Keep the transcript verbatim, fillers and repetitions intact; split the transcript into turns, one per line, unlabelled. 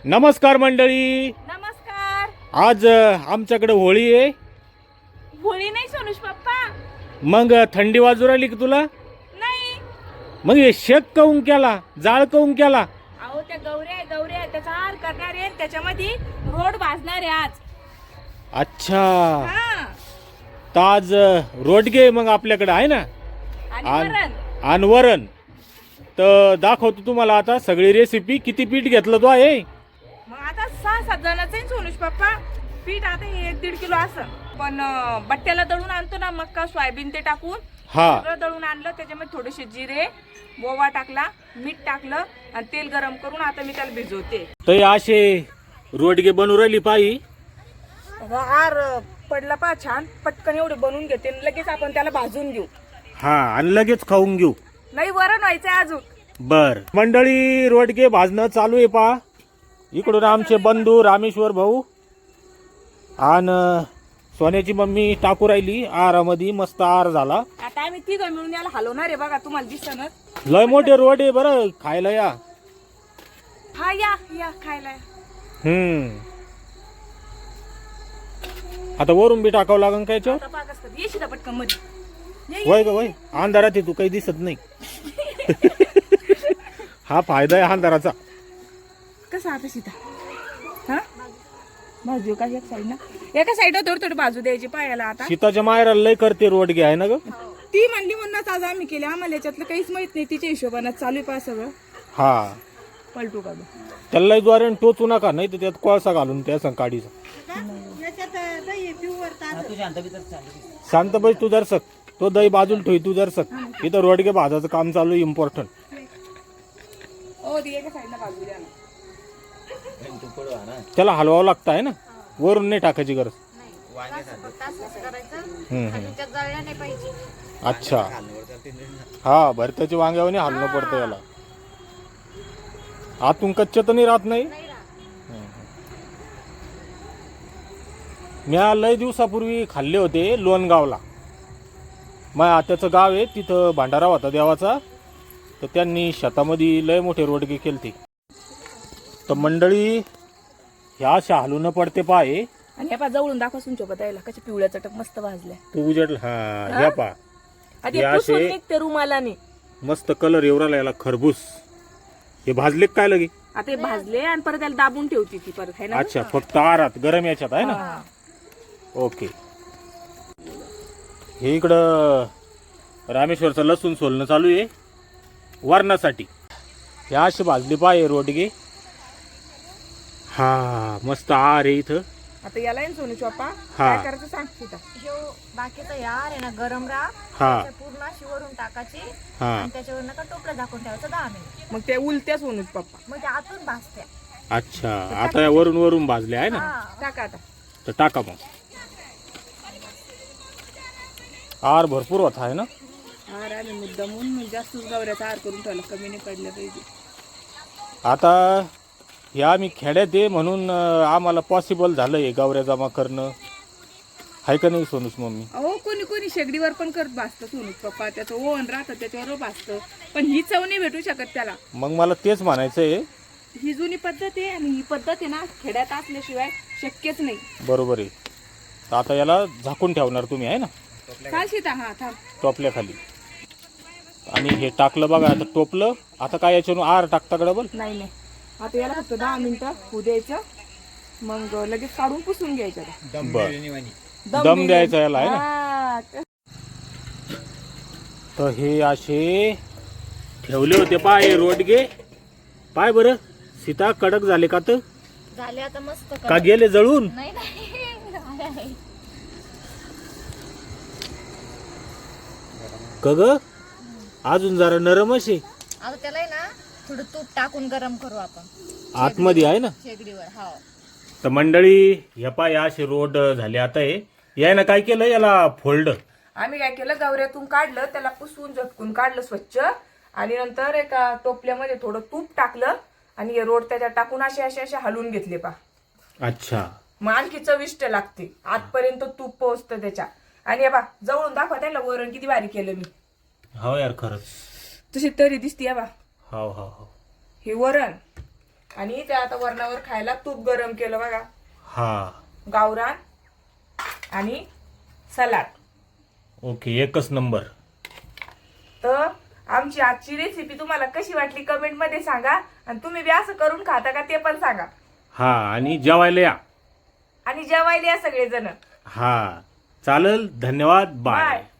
नमस्कार मंडळी.
नमस्कार.
आज अ, आमच्याकडे होळी आहे.
होळी नाही सोनुष पप्पा.
मग अ, थंडी वाजू राहिली की तुला?
नाही.
मग हे शेक काऊन केला, जाळ काऊन केला?
अहो त्या गौऱ्या गौऱ्या त्याचा हार करणार आहे, त्याच्यामध्ये रोड भाजणार आहे आज.
अच्छा,
हा.
तर आज अ, रोडगे मग आपल्याकडे आहे ना,
आणि
आण-
वरण.
आणि वरण. तर दाखवतो तुम्हाला आता सगळी रेसिपी. किती पीठ घेतलं तो आहे?
मग आता सहा सात जणांचं आहे सोनुष पप्पा. पीठ आता हे एक दीड किलो असं, पण अं, बट्ट्याला दळून आणतो ना मक्का सोयाबीन ते टाकून
हा,
सगळं दळून आणलं. त्याच्यामध्ये थोडेसे जिरे, ओवा टाकला, मीठ टाकलं आणि तेल गरम करून आता मी त्याला भिजवते.
तर हे असे रोडगे बनवू राहिली पायी.
हार पडला पा छान, पटकन एवढे बनवून घेते आणि लगेच आपण त्याला भाजून घेऊ.
हा, आणि लगेच खाऊन घेऊ.
नाही वरण व्हायचंय अजून.
बर मंडळी, रोडगे भाजणं चालू आहे पा. इकडून आमचे बंधू रामेश्वर भाऊ आणि सोन्याची मम्मी टाकू राहिली आरामध्ये. मस्त आर झाला.
आता आम्ही तिघ मिळून याला हलवणार आहे बघा, तुम्हाला दिसतच.
लय मोठे रोड आहे बरं, खायला या.
हा या या खायला.
हम्म आता वरून बी टाकावं लागेल काय याच्यावर?
आता पाकच कर. येशील पटकन मध्ये. ये, ये.
वय ग वय, अंधारात आहे तू, काही दिसत नाही. हा फायदा आहे अंधाराचा.
कसा आता सीता? हा बाजू का एक साईड ना, एका साईड थोडी थोडी बाजू द्यायची पायाला. आता
सीताच्या मायराला लय करते रोडगे आहे ना ग.
ती म्हणली म्हणूनच आज आम्ही केले. आम्हाला याच्यातलं काहीच माहित नाही. तिच्या हिशोबाने चालू आहे पा सगळं.
हा,
पलटू का बघ.
त्याला द्वारे टोचू नका, नाही तर त्यात कोळसा घालून त्या संकाडीचा. शांत बैस तू दर्शक. तो दही बाजूला ठेव तू दर्शक. इथं रोडगे भाजाचं काम चालू, इम्पॉर्टंट.
ओ ती एका साईडला बाजू द्या ना.
त्याला हलवावं लागतं आहे ना, वरून नाही टाकायची गरज. हम्म, हम्म. अच्छा, हा भरताची वांग्यावर हलणं पडतं याला. आतून कच्च तर नाही राहत नाही. मी लय दिवसापूर्वी खाल्ले होते लोणगावला. माझ्या आत्याचं गाव आहे, तिथं भांडारा होता देवाचा. तर त्यांनी शेतामध्ये लय मोठे रोडगे केलते. तर मंडळी ह्या अशा हलून पडते पाय.
आणि हे पा जवळून दाखवा सोबत यायला कशा पिवळ्या चटक मस्त भाजल्या.
तू उजडला. हा ह्या पा
आधी
हे
पुसून
असे-
निघते रुमालाने.
मस्त कलर एवढा याला खरबूस. हे भाजले काय लगे?
आता हे भाजले आणि परत त्याला दाबून ठेवती ती परत, है ना.
अच्छा, फक्त आरात गरम याच्यात आहे ना.
हा.
ओके. हे इकडं रामेश्वरचं लसूण सोलणं चालू आहे वरणासाठी. हे अशी भाजली पाय रोडगे. हा मस्त आर आहे इथं.
आता याला आहे ना सोनू चोपा,
हा.
काय करायचं सांग सीता.
जो बाकीचा यार आहे ना गरम राहा,
हा
त्या पूर्ण अशी वरून टाकायची
हा
आणि त्याच्यावर नका टोपलं झाकून ठेवायचं दहा मिनिट.
मग ते उलट्या सोनूच पप्पा.
मग ते आतून भाजत्या.
अच्छा, आता या वरून वरून भाजले आहे ना.
हा.
टाका आता.
तर टाका मग. आर भरपूर होता आहे ना.
हार आम्ही मुद्दा म्हणून जास्तच गवऱ्याचा हार करून ठेवला, कमी नाही पडलं पाहिजे.
आता हे आम्ही खेड्यात आहे म्हणून अं, आम्हाला पॉसिबल झालं हे गावऱ्या जमा करणं. आहे का नाही सोनूस मम्मी?
अहो कोणी कोणी शेगडीवर पण करत भासतं सोनूच पप्पा. त्याचं ओव्हन राहतं त्याच्यावर भासतं, पण ही चव नाही भेटू शकत त्याला.
मग मला तेच म्हणायचं आहे.
ही जुनी पद्धत आहे आणि ही पद्धत आहे ना खेड्यात असल्याशिवाय शक्यच नाही.
बरोबर आहे. तर आता याला झाकून ठेवणार तुम्ही आहे ना
चाल सीता. हा थांब.
टोपल्याखाली. आणि हे टाकलं बघा आता टोपलं. आता काय याच्यानं आर टाकता का डबल?
नाही नाही, आता याला फक्त दहा मिनिटं होऊ द्यायचं, मग लगेच काढून पुसून घ्यायचं.
बर, दम द्यायचा याला आहे ना.
ना.
तर हे असे ठेवले होते पाय रोडगे. पाय बरं सीता, कडक झाले का? तर
झाले आता मस्त.
का गेले जळून?
नाही नाही.
का ग अजून जरा नरमच आहे.
आता त्याला आहे ना थोडं तूप टाकून गरम करू आपण
आतमध्ये आहे ना.
शेगडीवर. हा.
तर मंडळी ह्या पाय असे रोड झाले. आता हे यायनं काय केलं, याला फोल्ड.
आम्ही काय केलं, गवऱ्यातून काढलं, त्याला पुसून झटकून काढलं स्वच्छ आणि नंतर एका टोपल्यामध्ये थोडं तूप टाकलं आणि हे रोड त्याच्यात टाकून असे असे असे हलवून घेतले पा.
अच्छा,
मग आणखी चविष्ट लागते. आतपर्यंत तूप पोहोचतं त्याच्या. आणि हे बा जवळून दाखवा त्याला वरण किती भारी केलं मी.
हो यार खरंच
तशी तरी दिसते बा.
हो हो हो.
हे वरण आणि त्या आता वरणावर खायला तूप गरम केलं बघा.
हा
गावरान आणि सलाड.
ओके, एकच नंबर.
तर आमची आजची रेसिपी तुम्हाला कशी वाटली कमेंट मध्ये सांगा. आणि तुम्ही बी असं करून खाता का ते पण सांगा.
हा, आणि जेवायला या.
आणि जेवायला या सगळेजण.
हा चालेल, धन्यवाद, बाय.
बाय.